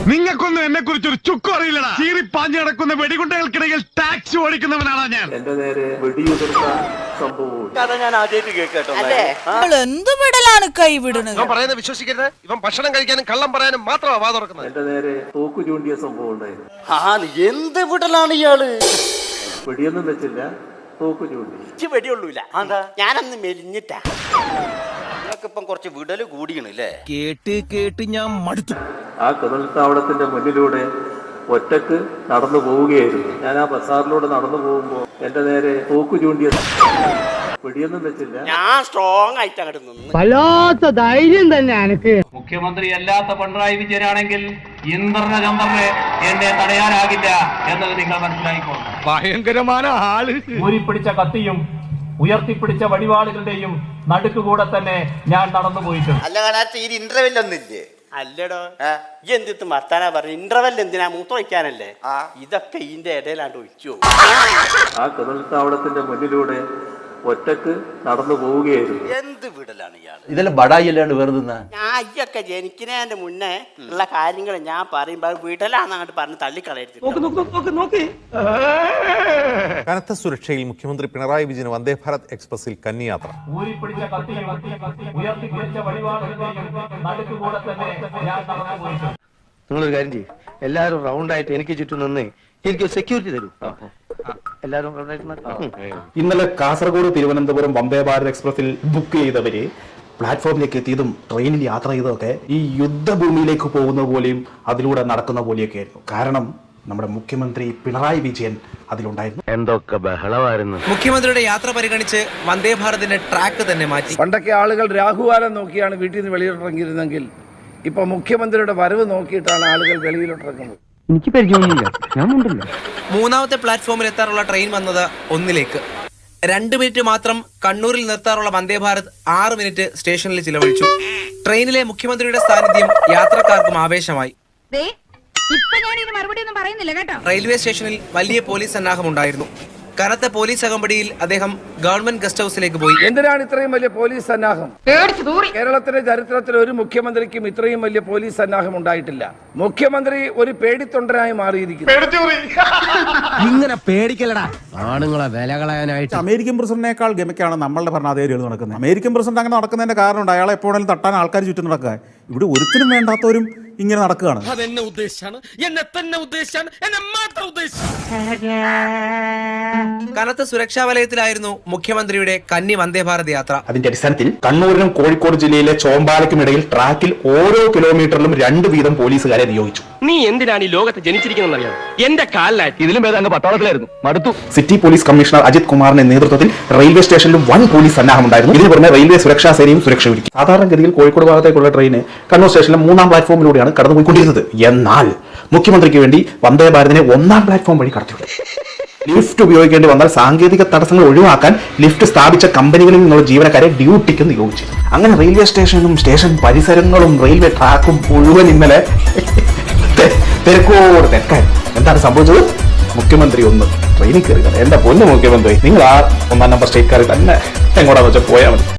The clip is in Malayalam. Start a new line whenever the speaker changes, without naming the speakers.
നിങ്ങൾക്കൊന്നും എന്നെ കുറിച്ച് ഒരു ചുക്കും അറിയില്ലടാ. ചീറിപ്പാഞ്ഞു കിടക്കുന്ന വെടികുണ്ടകൾക്കിടയിൽ ടാക്സി ഓടിക്കുന്നവനാണ് ഞാൻ.
എന്റെ നേരെ വെടിയുതിർത്ത സംഭവവും
ഞാൻ ആദ്യമായിട്ട് കേട്ടോ.
എന്ത് വിടലാണ് കൈവിടുന്നത്?
പറയുന്നത് വിശ്വസിക്കരുത്. ഇവൻ ഭക്ഷണം കഴിക്കാനും കള്ളം പറയാനും മാത്രമാണ് വാ തുറക്കുന്നത്.
എന്റെ നേരെ തോക്ക് ചൂണ്ടിയ സംഭവം ഉണ്ടായിരുന്നു.
എന്ത് വിടലാണ് ഇയാള്?
വെടിയൊന്നും വെച്ചില്ല, തോക്ക് ചൂണ്ടി.
വെടിയുള്ളൂല. ഞാനന്ന് മെലിഞ്ഞിട്ടാ. നിങ്ങൾക്കിപ്പം കുറച്ച് വിടല് കൂടിയണല്ലേ?
കേട്ട് ഞാൻ മടുത്തു.
ആ കടൽത്താവളത്തിന്റെ മുന്നിലൂടെ ഒറ്റക്ക് നടന്നു പോവുകയായിരുന്നു. ഞാൻ ആ ബസാറിലൂടെ നടന്നു പോകുമ്പോ എന്റെ നേരെ തോക്ക് ചൂണ്ടിയ വെടിയൊന്നും വെച്ചില്ല.
ഞാൻ സ്ട്രോങ് ആയിട്ട് അങ്ങോട്ട് നിന്ന്.
വല്ലാത്ത ധൈര്യം തന്നെ എനിക്ക്.
മുഖ്യമന്ത്രി അല്ലാത്ത പിണറായി വിജയനാണെങ്കിൽ ഇന്ദ്രചന്ദ്രനെ എന്നെ തടയാനാകില്ല എന്നത് നിങ്ങൾ മനസ്സിലായിക്കോളും.
ഭയങ്കരമായ ആള്.
ഊരിപ്പിടിച്ച കത്തിയും ഉയർത്തിപ്പിടിച്ച വടിവാളുകളുടെയും നടുക്കുകൂടെ തന്നെ ഞാൻ നടന്നു പോയിട്ടുണ്ട്.
അല്ല കാണാത്ത ഈ ഇന്റർവെൽ ഒന്നില്ലേ? അല്ലടോ, ഈ എന്തിട്ട് മർത്താനാ പറഞ്ഞു? ഇന്റർവെൽ എന്തിനാ? മൂത്ര വയ്ക്കാനല്ലേ? ഇതൊക്കെ ഇതിന്റെ ഇടയിലാണ്ട് ഒഴിച്ചു.
ആ കടൽത്താവളത്തിന്റെ മുന്നിലൂടെ ഒറ്റക്ക് നടന്നു പോവുകയായിരുന്നു.
എന്ത് വിടലാണ് ഇയാൾ?
ഇതെല്ലാം ബടായി അല്ലാണ്ട് വെറുതെ
ഞാൻ അയ്യൊക്കെ ജനിക്കുന്നതിന്റെ മുന്നേ ഉള്ള കാര്യങ്ങൾ ഞാൻ പറയുമ്പോ വിടലാന്ന് അങ്ങോട്ട് പറഞ്ഞ് തള്ളിക്കളയരുത്.
കനത്ത സുരക്ഷയിൽ മുഖ്യമന്ത്രി പിണറായി വിജയൻ വന്ദേ ഭാരത് എക്സ്പ്രസിൽ കന്നിയാത്ര.
ഊരിപ്പിടിച്ച കത്തിയും ഉയർത്തിപ്പിടിച്ച വടിവാളുകളുടെയും നടുക്കുകൂടെ തന്നെ ഞാൻ നടന്നു പോയിട്ടുണ്ട്.
നിങ്ങളൊരു കാര്യം ചെയ്യും, എല്ലാവരും റൗണ്ടായിട്ട് എനിക്ക് ചുറ്റും നിന്ന് എനിക്ക് സെക്യൂരിറ്റി തരൂ. എല്ലാവരും
ഇന്നലെ കാസർഗോഡ് തിരുവനന്തപുരം വന്ദേ ഭാരത് എക്സ്പ്രസിൽ ബുക്ക് ചെയ്തവര് പ്ലാറ്റ്ഫോമിലേക്ക് എത്തിയതും ട്രെയിനിൽ യാത്ര ചെയ്തതൊക്കെ ഈ യുദ്ധഭൂമിയിലേക്ക് പോകുന്ന പോലെയും അതിലൂടെ നടക്കുന്ന പോലെയൊക്കെ ആയിരുന്നു. കാരണം നമ്മുടെ മുഖ്യമന്ത്രി പിണറായി വിജയൻ അതിലുണ്ടായിരുന്നു.
എന്തൊക്കെ ബഹളമായിരുന്നു.
മുഖ്യമന്ത്രിയുടെ യാത്ര പരിഗണിച്ച് വന്ദേ ഭാരതിന്റെ ട്രാക്ക് തന്നെ മാറ്റി.
പണ്ടൊക്കെ ആളുകൾ രാഹുകാലം നോക്കിയാണ് വീട്ടിൽ നിന്ന് വെളിയിലിറങ്ങിയിരുന്നെങ്കിൽ ഇപ്പൊ മുഖ്യമന്ത്രിയുടെ വരവ് നോക്കിയിട്ടാണ് ആളുകൾ വെളിയിലിറങ്ങുന്നത്.
എനിക്ക് പരിചയമൊന്നുമില്ല, ഞാൻ ഉണ്ടല്ലോ.
മൂന്നാമത്തെ പ്ലാറ്റ്ഫോമിൽ എത്താറുള്ള ട്രെയിൻ വന്നത് 1 2 മിനിറ്റ് മാത്രം കണ്ണൂരിൽ നിർത്താറുള്ള വന്ദേ ഭാരത് 6 മിനിറ്റ് സ്റ്റേഷനിൽ ചിലവഴിച്ചു. ട്രെയിനിലെ മുഖ്യമന്ത്രിയുടെ സാന്നിധ്യം യാത്രക്കാർക്കും ആവേശമായി. റെയിൽവേ സ്റ്റേഷനിൽ വലിയ പോലീസ് സന്നാഹം ഉണ്ടായിരുന്നു. കനത്ത പോലീസ് അകമ്പടിയിൽ അദ്ദേഹം ഗവൺമെന്റ് ഗസ്റ്റ് ഹൌസിലേക്ക് പോയി.
എന്തിനാണ് ഇത്രയും വലിയ പോലീസ് സന്നാഹം? കേരളത്തിന്റെ ചരിത്രത്തിൽ ഒരു മുഖ്യമന്ത്രിക്കും ഇത്രയും വലിയ പോലീസ് സന്നാഹം ഉണ്ടായിട്ടില്ല. മുഖ്യമന്ത്രി ഒരു പേടിത്തൊണ്ടനായി മാറിയിരിക്കുന്നു.
ഇങ്ങനെ പേടിക്കലടാ ആണുങ്ങളെ വില കളയാനായിട്ട്.
അമേരിക്കൻ പ്രസിഡന്റിനേക്കാൾ ഗമയ്ക്കാണ് നമ്മളുടെ ഭരണാധികാരികൾ നടക്കുന്നത്. അമേരിക്കൻ പ്രസിഡന്റ് അങ്ങനെ നടക്കുന്നതിന്റെ കാരണമുണ്ട്. അയാളെ എപ്പോഴും തട്ടാൻ ആൾക്കാർ ചുറ്റും നടക്കുക. ഇവിടെ ഒരുത്തിനും വേണ്ടാത്തവരും ഇങ്ങനെ നടക്കുകയാണ്.
അതെന്നെ ഉദ്ദേശിച്ചാണ്, എന്നെ തന്നെ ഉദ്ദേശിച്ചാണ്, എന്നെ മാത്രം ഉദ്ദേശിച്ചു.
കനത്ത സുരക്ഷാ വലയത്തിലായിരുന്നു മുഖ്യമന്ത്രിയുടെ കന്നി വന്ദേ ഭാരത് യാത്ര.
അതിന്റെ അടിസ്ഥാനത്തിൽ കണ്ണൂരിനും കോഴിക്കോട് ജില്ലയിലെ ചോമ്പാലയ്ക്കും ഇടയിൽ ട്രാക്കിൽ ഓരോ കിലോമീറ്ററിലും 2 വീതം പോലീസുകാരെ നിയോഗിച്ചു.
നീ എന്തിനാണ് ഈ ലോകത്ത് ജനിച്ചിരിക്കുന്നറിയാം? എന്റെ കാലിലായിട്ട്
ഇതിലും ഭേദം അങ്ങ് പട്ടാളത്തിലായിരുന്നു, മടുത്തു.
സിറ്റി പോലീസ് കമ്മീഷണർ അജിത് കുമാറിന്റെ നേതൃത്വത്തിൽ റെയിൽവേ സ്റ്റേഷനിലും വൻ പോലീസ് സന്നാഹം ഉണ്ടായിരുന്നു. ഇതിന് പുറമെ റെയിൽവേ സുരക്ഷാ സേനയും സുരക്ഷ ഒരുക്കി. സാധാരണഗതിയിൽ കോഴിക്കോട് ഭാഗത്തേക്കുള്ള ട്രെയിന് കണ്ണൂർ സ്റ്റേഷനിലെ 3-ാം പ്ലാറ്റ്ഫോമിലൂടെയാണ് കടന്നുപോയിക്കൊണ്ടിരുന്നത്. എന്നാൽ മുഖ്യമന്ത്രിക്ക് വേണ്ടി വന്ദേ ഭാരതിനെ 1-ാം പ്ലാറ്റ്ഫോം വഴി കടത്തിവിട്ടു. ലിഫ്റ്റ് ഉപയോഗിക്കേണ്ടി വന്നാൽ സാങ്കേതിക തടസ്സങ്ങൾ ഒഴിവാക്കാൻ ലിഫ്റ്റ് സ്ഥാപിച്ച കമ്പനികളിൽ നിന്നുള്ള ജീവനക്കാരെ ഡ്യൂട്ടിക്ക് നിയോഗിച്ചു. അങ്ങനെ റെയിൽവേ സ്റ്റേഷനും സ്റ്റേഷൻ പരിസരങ്ങളും റെയിൽവേ ട്രാക്കും മുഴുവൻ ഇന്നലെ തിരക്കോട് തിരക്കാൻ. എന്താണ് സംഭവിച്ചത്? മുഖ്യമന്ത്രി ഒന്ന് ട്രെയിനിൽ കയറുക. എന്റെ പൊന്നു മുഖ്യമന്ത്രി, നിങ്ങൾ ആ 1-ാം നമ്പർ സ്റ്റേറ്റ് കാറിൽ തന്നെ എങ്ങോട്ടാന്ന് വെച്ചാൽ പോയാൽ മതി.